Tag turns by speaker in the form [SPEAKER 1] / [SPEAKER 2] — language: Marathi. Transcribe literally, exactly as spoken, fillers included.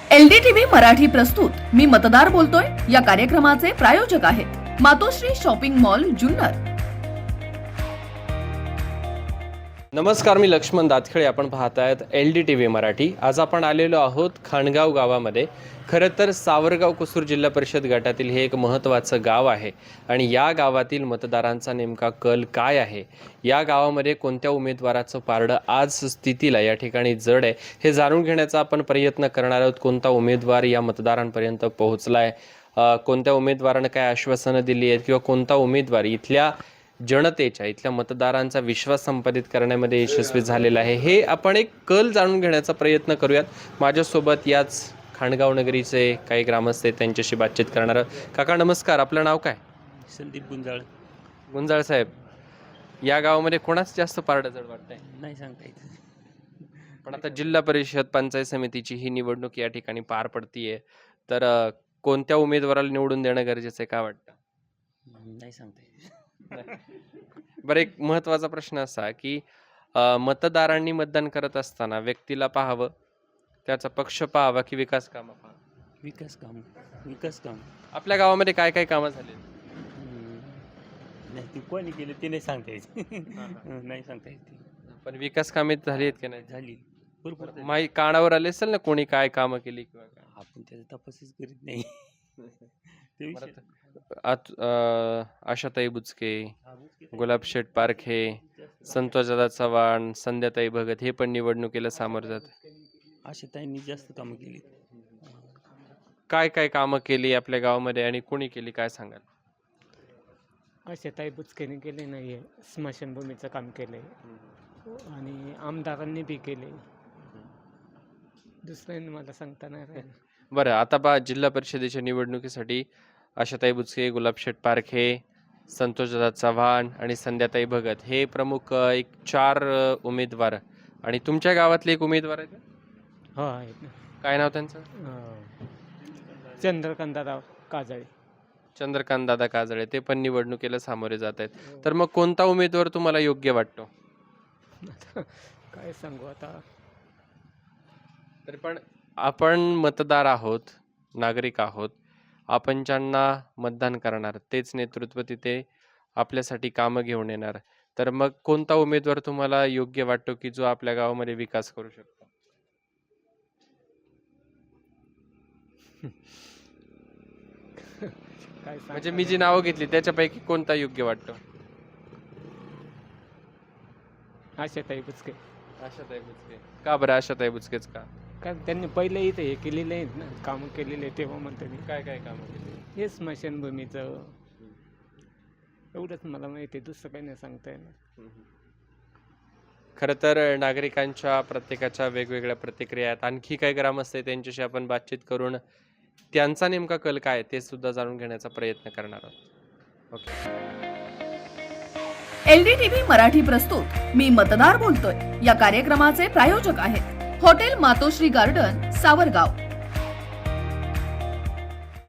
[SPEAKER 1] एलडीटीव्ही मराठी प्रस्तुत मी मतदार बोलतोय या कार्यक्रमाचे प्रायोजक आहेत मातोश्री शॉपिंग मॉल जुन्नर।
[SPEAKER 2] नमस्कार, मी लक्ष्मण दातखळे, आपण पाहत आहेत L D T V Marathi. आज आपण आलेलो आहोत खाणगाव गावामध्ये। खरं तर सावरगाव कुसूर जिल्हा परिषद गटातील हे एक महत्त्वाचं गाव आहे आणि या गावातील मतदारांचा नेमका कल काय आहे, या गावामध्ये कोणत्या उमेदवाराचं पारडं आज स्थितीला या ठिकाणी जड आहे हे जाणून घेण्याचा आपण प्रयत्न करणार आहोत। कोणता उमेदवार या मतदारांपर्यंत पोहोचला आहे, कोणत्या उमेदवारानं काय आश्वासनं दिली आहेत किंवा कोणता उमेदवार इथल्या जनतेच्या इथल्या मतदारांचा विश्वास संपादित करण्यामध्ये यशस्वी झालेला आहे, हे आपण एक कल जाणून घेण्याचा प्रयत्न करूयात। माझ्यासोबत याच खाणगाव नगरीचे काही ग्रामस्थ आहेत, त्यांच्याशी बातचीत करणार आहोत। काका नमस्कार, आपलं नाव काय?
[SPEAKER 3] संदीप गुंजाळ।
[SPEAKER 2] गुंजाळ साहेब, या गावामध्ये कोणाच जास्त पारडं जड वाटतंय?
[SPEAKER 3] नाही सांगता येत,
[SPEAKER 2] पण आता जिल्हा परिषद पंचायत समितीची ही निवडणूक या ठिकाणी पार पडतीये, तर कोणत्या उमेदवाराला निवडून देणं गरजेचं आहे, काय वाटतं?
[SPEAKER 3] नाही सांगता येत।
[SPEAKER 2] बरं, एक महत्त्वाचा प्रश्न असा की मतदारांनी मतदान करत असताना व्यक्तीला पाहावं, त्याचा पक्ष पाहावा की विकास कामं पाहावं?
[SPEAKER 3] विकास काम विकास काम
[SPEAKER 2] आपल्या गावामध्ये काय काय कामं झाली?
[SPEAKER 3] नाही, ती कोणी केलं ते नाही सांगता येत। नाही सांगता येत,
[SPEAKER 2] पण विकास कामे झाली आहेत की नाही
[SPEAKER 3] झाली भरपूर।
[SPEAKER 2] माही कानावर आले असेल ना कोणी काय कामं केली किंवा काय?
[SPEAKER 3] आपण त्याचा तपासच करीत नाही। ते विषय
[SPEAKER 2] आत- अं, आशाताई बुचके, गुलाबशेठ पारखे, संतोषदादा चव्हाण, संध्याताई भगत हे पण निवडणुकीला सामोरं जात।
[SPEAKER 3] अशा ताईंनी जास्त कामं केली।
[SPEAKER 2] काय काय कामं केली आपल्या गावामध्ये आणि कोणी केली, काय सांगाल?
[SPEAKER 4] असे ताई बुचकेने केले नाही आहे, स्मशानभूमीचं काम केलंय आणि आमदारांनी बी केले, दुसऱ्यांनी मला सांगता नाही राहिलं।
[SPEAKER 2] बरं, आता पहा, जिल्हा परिषदेच्या निवडणुकीसाठी आशाताई बुचके, गुलाबशेठ पारखे, संतोषदादा चव्हाण आणि संध्याताई भगत हे प्रमुख अ, एक चार अ, उमेदवार आणि तुमच्या गावातले एक उमेदवार आहेत का?
[SPEAKER 4] हो आहेत ना,
[SPEAKER 2] काय नाव त्यांचं?
[SPEAKER 4] अं, चंद्रकांतराव काजळे।
[SPEAKER 2] चंद्रकांत दादा काजळे, ते पण निवडणुकीला सामोरे जात आहेत। तर मग कोणता उमेदवार तुम्हाला योग्य वाटतो?
[SPEAKER 4] आता काय सांगू आता,
[SPEAKER 2] तरी पण आपण मतदार आहोत, नागरिक आहोत, आपण ज्यांना मतदान करणार तेच नेतृत्व तिथे आपल्यासाठी कामं घेऊन येणार, तर मग कोणता उमेदवार तुम्हाला योग्य वाटतो की जो आपल्या गावामध्ये विकास करू शकतो?
[SPEAKER 4] काय
[SPEAKER 2] म्हणजे मी जी नावं घेतली त्याच्यापैकी कोणता योग्य वाटतो?
[SPEAKER 4] असे ताई बुचके।
[SPEAKER 2] आशाताई बुचके का बरं? आशाताई बुचकेच का?
[SPEAKER 4] कारण त्यांनी पहिले इथे हे केलेले आहेत ना, कामं केलेले आहेत, तेव्हा म्हणतो मी
[SPEAKER 2] काय काय कामं केली?
[SPEAKER 4] हे स्मशानभूमीचं एवढंच मला माहिती आहे, दुसरं काही नाही सांगता येणार।
[SPEAKER 2] खरं तर नागरिकांच्या प्रत्येकाच्या वेगवेगळ्या प्रतिक्रिया आहेत। आणखी काही ग्रामस्थ आहेत, त्यांच्याशी आपण बातचीत करून त्यांचा नेमका कल काय ते सुद्धा जाणून घेण्याचा प्रयत्न करणार आहोत। ओके,
[SPEAKER 1] एलडीटीव्ही मराठी प्रस्तुत मी मतदार बोलतोय या कार्यक्रमाचे प्रायोजक आहेत हॉटेल मातोश्री गार्डन, सावरगाव।